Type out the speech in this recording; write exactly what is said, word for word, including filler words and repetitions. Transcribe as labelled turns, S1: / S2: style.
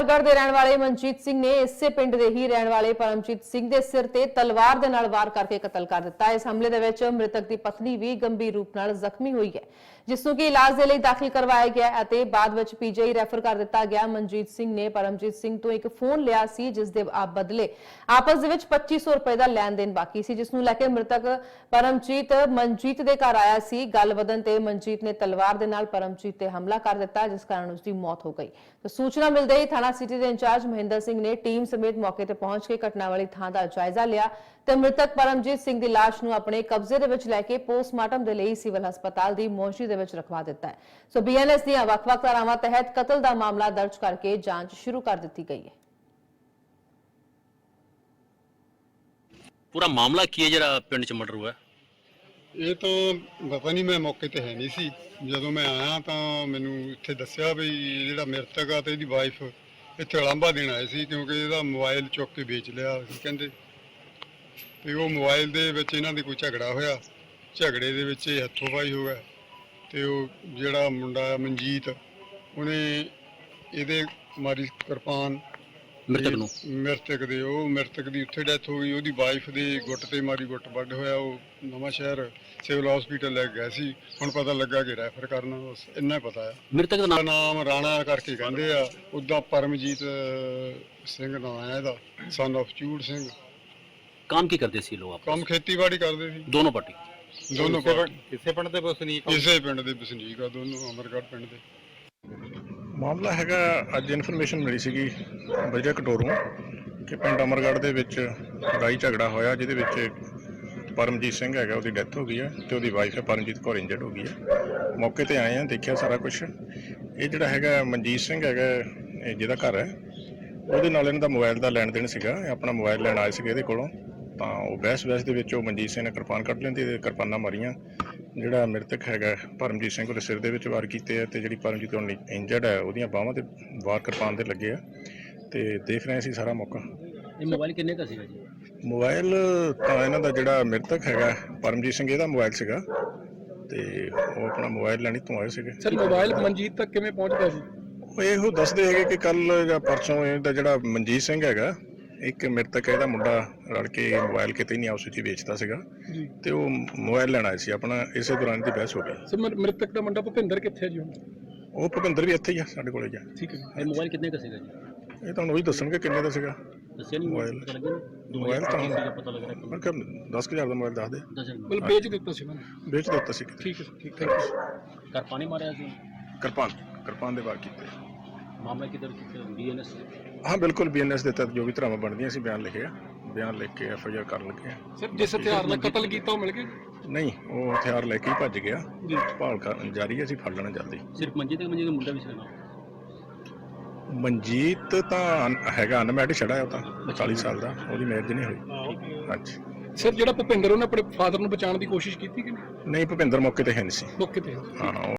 S1: अमरगढ़ के रहने वाले मनजीत सिंह ने इसे पिंड के ही रहने वाले परमजीत सिंह के सिर ते तलवार दे नाल वार करके कतल कर दिता। इस हमले दे विच मृतक की पत्नी भी गंभीर रूप नाल जख्मी हुई है, जिसनों की इलाज के लिए दाखिल करवाया गया है। बाद विच पीजीआई रैफर कर दिता गया। मनजीत सिंह ने परमजीत सिंह तो एक फोन लिया सी, जिस दे बदले आपस दे विच पच्ची सौ रुपए का लैन देन बाकी सी, जिसनों लैके मृतक परमजीत मनजीत के घर आया सी। गल वधन ते मनजीत ने तलवार दे नाल परमजीत ते हमला कर दिता, जिस कारण उसकी मौत हो गई। तो सूचना मिलते ही थाना सिटी के इंचार्ज महेंद्र सिंह ने टीम समेत मौके पर पहुंच के घटना वाली थां का जायजा लिया ते मृतक परमजीत सिंह की लाश नूं अपने कब्जे दे विच लैके पोस्टमार्टम दे लई सिविल हस्पताल की मोर्चरी दे विच रखवा दिता है। सो बीएनएस दी वख-वख धारावां तहत कतल का मामला दर्ज करके जांच शुरू कर दी गई है।
S2: पूरा मामला की है जरा पिंड च मर्डर हुआ?
S3: ਇਹ ਤਾਂ ਪਤਾ ਨਹੀਂ, ਮੈਂ ਮੌਕੇ ਤੇ ਹੈ ਨਹੀਂ ਸੀ। ਜਦੋਂ ਮੈਂ ਆਇਆ ਤਾਂ ਮੈਨੂੰ ਇੱਥੇ ਦੱਸਿਆ ਵੀ ਜਿਹੜਾ ਮ੍ਰਿਤਕ ਆ ਤੇ ਇਹਦੀ ਵਾਈਫ ਇੱਥੇ ਲਾਂਭਾ ਦੇਣ ਆਏ ਸੀ, ਕਿਉਂਕਿ ਇਹਦਾ ਮੋਬਾਈਲ ਚੁੱਕ ਕੇ ਵੇਚ ਲਿਆ ਸੀ ਕਹਿੰਦੇ। ਤੇ ਉਹ ਮੋਬਾਈਲ ਦੇ ਵਿੱਚ ਇਹਨਾਂ ਦੇ ਕੋਈ ਝਗੜਾ ਹੋਇਆ, ਝਗੜੇ ਦੇ ਵਿੱਚ ਇਹ ਹੱਥੋਂ ਪਾਈ ਹੋ ਗਿਆ ਤੇ ਉਹ ਜਿਹੜਾ ਮੁੰਡਾ ਮਨਜੀਤ ਉਹਨੇ ਇਹਦੇ ਮਾਰੀ ਕਿਰਪਾਨ
S2: ਮ੍ਰਿਤਕ ਨੂੰ
S3: ਮ੍ਰਿਤਕ ਦੇ ਉਹ ਮ੍ਰਿਤਕ ਦੀ ਉੱਥੇ ਡੈਥ ਹੋ ਗਈ। ਉਹਦੀ ਵਾਈਫ ਦੇ ਗੁੱਟ ਤੇ ਮਾਰੀ ਗੁੱਟ ਵੱਢ ਹੋਇਆ। ਉਹ ਨਵਾਂ ਸ਼ਹਿਰ ਸਿਵਲ ਹਸਪੀਟਲ ਲੈ ਗਿਆ ਸੀ। ਹੁਣ ਪਤਾ ਲੱਗਾ ਕਿ ਰੈਫਰ ਕਰਨਾ, ਬਸ ਇੰਨਾ ਹੀ ਪਤਾ ਹੈ।
S2: ਮ੍ਰਿਤਕ ਦਾ ਨਾਮ
S3: ਨਾਮ ਰਾਣਾ ਕਰਕੇ ਕਹਿੰਦੇ ਆ, ਉੱਦਾਂ ਪਰਮਜੀਤ ਸਿੰਘ ਨਾਂ ਹੈ ਇਹਦਾ, ਸਨ ਆਫ ਚੂੜ ਸਿੰਘ।
S2: काम की करते सी लोग आप?
S3: ਕੰਮ ਖੇਤੀਬਾੜੀ ਕਰਦੇ ਸੀ
S2: दोनों पार्टी
S3: ਦੋਨੋਂ ਪਾਰਟੀ।
S4: ਕਿਸੇ ਪਿੰਡ ਦੇ ਵਸਨੀਕ
S3: ਇਸੇ ਪਿੰਡ ਦੇ ਵਸਨੀਕ ਆ ਦੋਨੋਂ, ਅਮਰਗੜ੍ਹ ਪਿੰਡ ਦੇ।
S5: ਮਾਮਲਾ ਹੈਗਾ, ਅੱਜ ਇਨਫੋਰਮੇਸ਼ਨ ਮਿਲੀ ਸੀਗੀ ਬਜਰਾ ਕਟੋਰੋਂ ਕਿ ਪਿੰਡ ਅਮਰਗੜ੍ਹ ਦੇ ਵਿੱਚ ਲੜਾਈ ਝਗੜਾ ਹੋਇਆ, ਜਿਹਦੇ ਵਿੱਚ ਪਰਮਜੀਤ ਸਿੰਘ ਹੈਗਾ, ਉਹਦੀ ਡੈਥ ਹੋ ਗਈ ਹੈ ਤੇ ਉਹਦੀ ਵਾਈਫ ਹੈ ਪਰਮਜੀਤ ਕੌਰ ਇੰਜਰਡ ਹੋ ਗਈ ਹੈ। ਮੌਕੇ ਤੇ ਆਏ ਆ, ਦੇਖਿਆ ਸਾਰਾ ਕੁਝ। ਇਹ ਜਿਹੜਾ ਹੈਗਾ ਮਨਜੀਤ ਸਿੰਘ ਹੈਗਾ, ਇਹ ਜਿਹਦਾ ਘਰ ਹੈ, ਉਹਦੇ ਨਾਲ ਇਹਨਾਂ ਦਾ ਮੋਬਾਈਲ ਦਾ ਲੈਣ ਦੇਣ ਸੀਗਾ। ਇਹ ਆਪਣਾ ਮੋਬਾਈਲ ਲੈਣ ਆਏ ਸੀਗੇ ਇਹਦੇ ਕੋਲੋਂ, ਤਾਂ ਉਹ ਬਹਿਸ ਬਹਿਸ ਦੇ ਵਿੱਚ ਉਹ ਮਨਜੀਤ ਸਿੰਘ ਨੇ ਕਿਰਪਾਨ ਕੱਢ ਲੈਂਦੀ ਤੇ ਕਿਰਪਾਨਾਂ ਮਾਰੀਆਂ। ਜਿਹੜਾ ਮ੍ਰਿਤਕ ਹੈਗਾ ਪਰਮਜੀਤ ਸਿੰਘ, ਉਹਦੇ ਸਿਰ ਦੇ ਵਿੱਚ ਵਾਰ ਕੀਤੇ ਆ ਤੇ ਜਿਹੜੀ ਪਰਮਜੀਤ ਹੁਣ ਇੰਜਰਡ ਹੈ, ਉਹਦੀਆਂ ਬਾਹਾਂ ਤੇ ਵਾਰ ਕਿਰਪਾਨ ਦੇ ਲੱਗੇ ਆ ਤੇ ਦੇਖ ਰਹੇ ਸੀ ਸਾਰਾ ਮੌਕਾ।
S2: ਇਹ ਮੋਬਾਈਲ ਕਿੰਨੇ ਦਾ ਸੀਗਾ ਜੀ?
S5: ਮੋਬਾਈਲ ਤਾਂ ਇਹਨਾਂ ਦਾ ਜਿਹੜਾ ਮ੍ਰਿਤਕ ਹੈਗਾ ਪਰਮਜੀਤ ਸਿੰਘ, ਇਹਦਾ ਮੋਬਾਈਲ ਸੀਗਾ ਤੇ ਉਹ ਆਪਣਾ ਮੋਬਾਈਲ ਲੈਣੀ ਤੋਂ ਆਏ ਸੀਗੇ।
S4: ਸਰ ਮੋਬਾਈਲ ਮਨਜੀਤ ਤੱਕ ਕਿਵੇਂ ਪਹੁੰਚ ਗਿਆ ਸੀ?
S5: ਉਹ ਇਹੋ ਦੱਸਦੇ ਹੈਗੇ ਕਿ ਕੱਲ ਜਾਂ ਪਰਸੋਂ ਇਹਦਾ ਜਿਹੜਾ ਮਨਜੀਤ ਸਿੰਘ ਹੈਗਾ, ਇੱਕ ਮ੍ਰਿਤਕ ਇਹਦਾ ਮੁੰਡਾ ਰਲ ਕੇ ਮੋਬਾਈਲ ਕਿਤੇ ਨਹੀਂ ਆਪਸ ਵਿੱਚ ਵੇਚਦਾ ਸੀਗਾ ਤੇ ਉਹ ਮੋਬਾਈਲ ਲੈਣ ਆਏ ਸੀ ਆਪਣਾ। ਇਸੇ ਦੌਰਾਨ ਦੀ ਬਹਿਸ ਹੋ ਗਈ।
S4: ਸਰ ਮ੍ਰਿਤਕ ਦਾ ਮੁੰਡਾ ਭੁਪਿੰਦਰ ਕਿੱਥੇ ਹੈ ਜੀ ਹੁਣ?
S5: ਉਹ ਭੁਪਿੰਦਰ ਵੀ ਇੱਥੇ ਹੀ ਆ ਸਾਡੇ ਕੋਲੇ ਜਾ।
S4: ਠੀਕ ਹੈ।
S2: ਇਹ ਮੋਬਾਈਲ ਕਿੰਨੇ ਦਾ ਸੀਗਾ ਜੀ?
S5: ਇਹ ਤੁਹਾਨੂੰ ਉਹੀ ਦੱਸਣਗੇ ਕਿੰਨੇ ਦਾ ਸੀਗਾ
S2: ਦੱਸਿਆ ਨਹੀਂ
S5: ਮੋਬਾਈਲ।
S2: ਪਤਾ ਲੱਗਿਆ ਨਹੀਂ?
S5: ਮੋਬਾਈਲ ਤਾਂ
S2: ਸੀਗਾ ਪਤਾ ਲੱਗ ਰਿਹਾ
S5: ਮੈਂ ਕਿਹਾ ਦਸ ਕੁ ਹਜ਼ਾਰ ਦਾ ਮੋਬਾਈਲ ਦੱਸ ਦੇ।
S2: ਦਸ
S4: ਮਤਲਬ ਵੇਚ ਦਿੱਤਾ ਸੀ ਉਹਨਾਂ ਨੇ?
S5: ਵੇਚ ਦਿੱਤਾ ਸੀ।
S4: ਠੀਕ ਹੈ ਠੀਕ, ਥੈਂਕ ਯੂ।
S2: ਘਰ ਪਾਣੀ ਮਾਰਿਆ ਸੀ?
S5: ਕਿਰਪਾਨ ਕਿਰਪਾਨ ਦੇ ਵਾਰ ਕੀਤੇ।
S2: ਮਾਮਲਾ ਕਿਧਰ ਬੀਐਨਐਸ?
S5: ਹਾਂ ਬਿਲਕੁਲ, ਬੀਐਨਐਸ ਦੇ ਤਹਿਤ ਜੋ ਵੀ ਧਾਰਾਵਾਂ ਬਣਦੀਆਂ ਸੀ ਬਿਆਨ ਲਿਖੇ ਆ, ਬਿਆਨ ਲਿਖ ਕੇ ਐਫ ਆਈ ਆਰ ਕਰਨ ਲੱਗੇ ਆ।
S4: ਸਰ ਜਿਸ ਹਥਿਆਰ ਨਾਲ ਕਤਲ ਕੀਤਾ ਉਹ ਮਿਲ ਗਿਆ?
S5: ਨਹੀਂ, ਉਹ ਹਥਿਆਰ ਲੈ ਕੇ ਹੀ ਭੱਜ ਗਿਆ ਜੀ। ਭਾਲ ਕਰਨ ਜਾਰੀ ਹੈ, ਅਸੀਂ ਫੜ ਲੈਣਾ ਜਲਦੀ।
S2: ਸਿਰਫ ਮਨਜੀਤ ਤੇ ਮਨਜੀਤ ਦਾ ਮੁੰਡਾ ਵੀ ਸੀ ਨਾਲ?
S5: ਮਨਜੀਤ ਤਾਂ ਅਨ- ਹੈਗਾ ਅਨਮੈਰਿਡ ਛੜਾ ਹੈ, ਉਹ ਤਾਂ ਚਾਲੀ ਸਾਲ ਦਾ, ਉਹਦੀ ਮੈਰਿਜ ਨਹੀਂ ਹੋਈ। ਹਾਂਜੀ।
S4: ਸਰ ਜਿਹੜਾ ਭੁਪਿੰਦਰ ਉਹਨੇ ਆਪਣੇ ਫਾਦਰ ਨੂੰ ਬਚਾਉਣ ਦੀ ਕੋਸ਼ਿਸ਼ ਕੀਤੀ ਕਿ ਨਹੀਂ?
S5: ਨਹੀਂ, ਭੁਪਿੰਦਰ ਮੌਕੇ ਤੇ ਹੈ ਨਹੀਂ ਸੀ।
S4: ਮੌਕੇ ਤੇ
S5: ਹਾਂ।